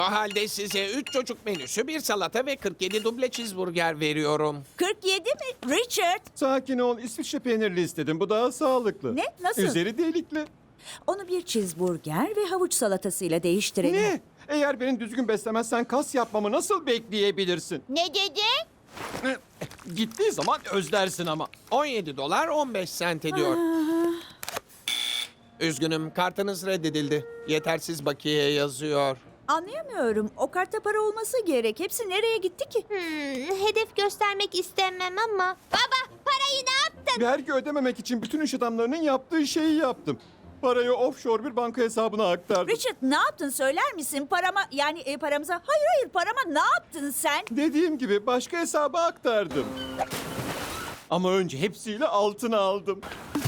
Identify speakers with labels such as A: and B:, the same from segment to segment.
A: O halde size 3 çocuk menüsü, bir salata ve 47 duble cheeseburger veriyorum.
B: 47 mi? Richard,
C: Sakin ol. İsviçre peynirli istedim. Bu daha sağlıklı.
B: Ne? Nasıl?
C: Üzeri delikli.
B: onu bir cheeseburger ve havuç salatasıyla değiştirelim.
C: Ne? Eğer beni düzgün beslemezsen kas yapmamı nasıl bekleyebilirsin?
D: Ne dedi?
C: Gittiği zaman özlersin ama.
A: 17 dolar 15 sent ediyor. Üzgünüm, kartınız reddedildi. Yetersiz bakiye yazıyor.
B: Anlayamıyorum. O kartta para olması gerek. Hepsi nereye gitti ki?
D: Hedef göstermek istemem ama. Baba, parayı ne yaptın?
C: Vergi ödememek için bütün iş adamlarının yaptığı şeyi yaptım. Parayı offshore bir banka hesabına aktardım.
B: Richard, ne yaptın söyler misin? Paramıza... Hayır, parama ne yaptın sen?
C: Dediğim gibi başka hesaba aktardım. Ama önce hepsiyle altına aldım.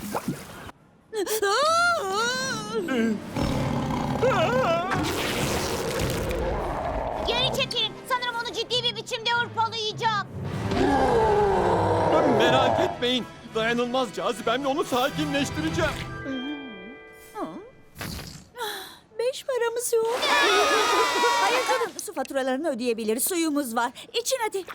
D: Geri çekilin. Sanırım onu ciddi bir biçimde hırpalayacak.
C: Merak etmeyin. Dayanılmaz cazibemle onu sakinleştireceğim.
B: 5 paramız yok. Hayır canım, su faturalarını ödeyebiliriz. Suyumuz var. İçin hadi.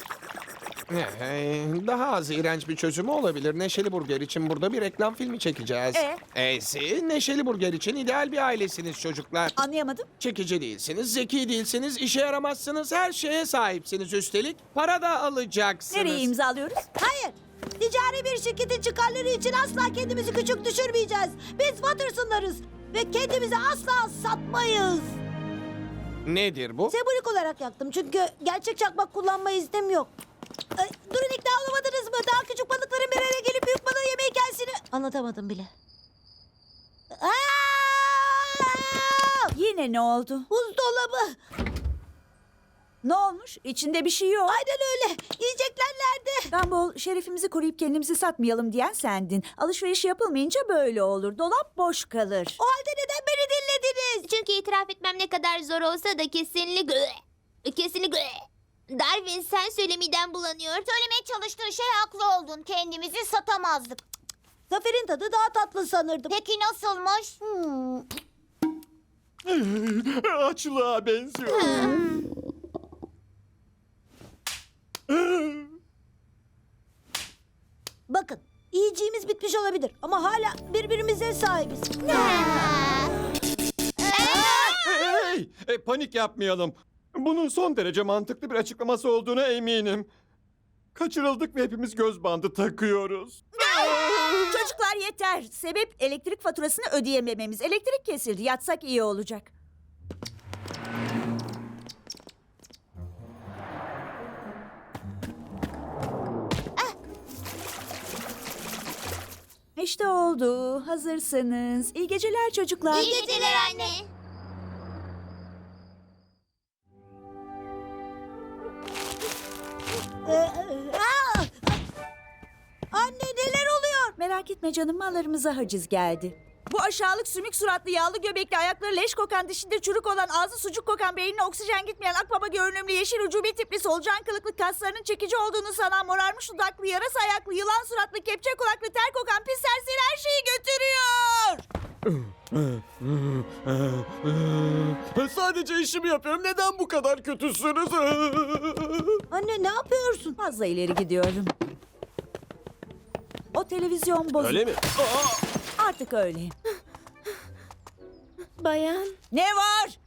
A: Daha az iğrenç bir çözümü olabilir. Neşeli Burger için burada bir reklam filmi çekeceğiz. Siz Neşeli Burger için ideal bir ailesiniz çocuklar.
B: Anlayamadım.
A: Çekici değilsiniz, zeki değilsiniz, işe yaramazsınız, her şeye sahipsiniz üstelik. Para da alacaksınız.
B: Nereye imzalıyoruz?
E: Hayır. Ticari bir şirketin çıkarları için asla kendimizi küçük düşürmeyeceğiz. Biz Watterson'larız ve kendimizi asla satmayız.
A: Nedir bu?
E: Sembolik olarak yaktım çünkü gerçek çakmak kullanma iznim yok. Durun, ikna olamadınız mı? Daha küçük balıkların bir araya gelip büyük balığı yeme hikayesini... Anlatamadım bile. Aa!
B: Yine ne oldu?
E: Buzdolabı.
B: Ne olmuş? İçinde bir şey yok.
E: Aynen öyle. Yiyecekler nerede?
B: Gumball, şerefimizi koruyup kendimizi satmayalım diyen sendin. Alışveriş yapılmayınca böyle olur. Dolap boş kalır.
E: O halde neden beni dinlediniz?
D: Çünkü itiraf etmem ne kadar zor olsa da kesinlikle Darwin, sen söyle, midem bulanıyor. Söylemeye çalıştığın şey haklı oldun. Kendimizi satamazdık.
E: Zafer'in tadı daha tatlı sanırdım.
D: Peki nasılmış?
C: Açlığa benziyor.
E: Bakın, yiyeceğimiz bitmiş olabilir ama hala birbirimize sahibiz.
C: Hey! Panik yapmayalım. Bunun son derece mantıklı bir açıklaması olduğuna eminim. Kaçırıldık ve hepimiz göz bandı takıyoruz.
B: Çocuklar yeter. Sebep elektrik faturasını ödeyemememiz. Elektrik kesildi. Yatsak iyi olacak. İşte oldu. Hazırsınız. İyi geceler çocuklar.
D: İyi geceler anne.
E: Anne, neler oluyor?
B: Merak etme canım, mallarımıza haciz geldi. Bu aşağılık sümük suratlı yağlı göbekli ayakları leş kokan dişinde çürük olan ağzı sucuk kokan beynine oksijen gitmeyen akbaba görünümlü yeşil ucubi tipli solucan kılıklı kaslarının çekici olduğunu sanan morarmış dudaklı yarasa ayaklı yılan suratlı kepçe kulaklı ter kokan pis serseri her şeyi götürüyor.
C: Sadece işimi yapıyorum. Neden bu kadar kötüsünüz?
E: Anne, ne yapıyorsun?
B: Fazla ileri gidiyorum. O televizyon bozuk.
C: Öyle mi?
B: Artık öyle.
D: Bayan.
B: Ne var?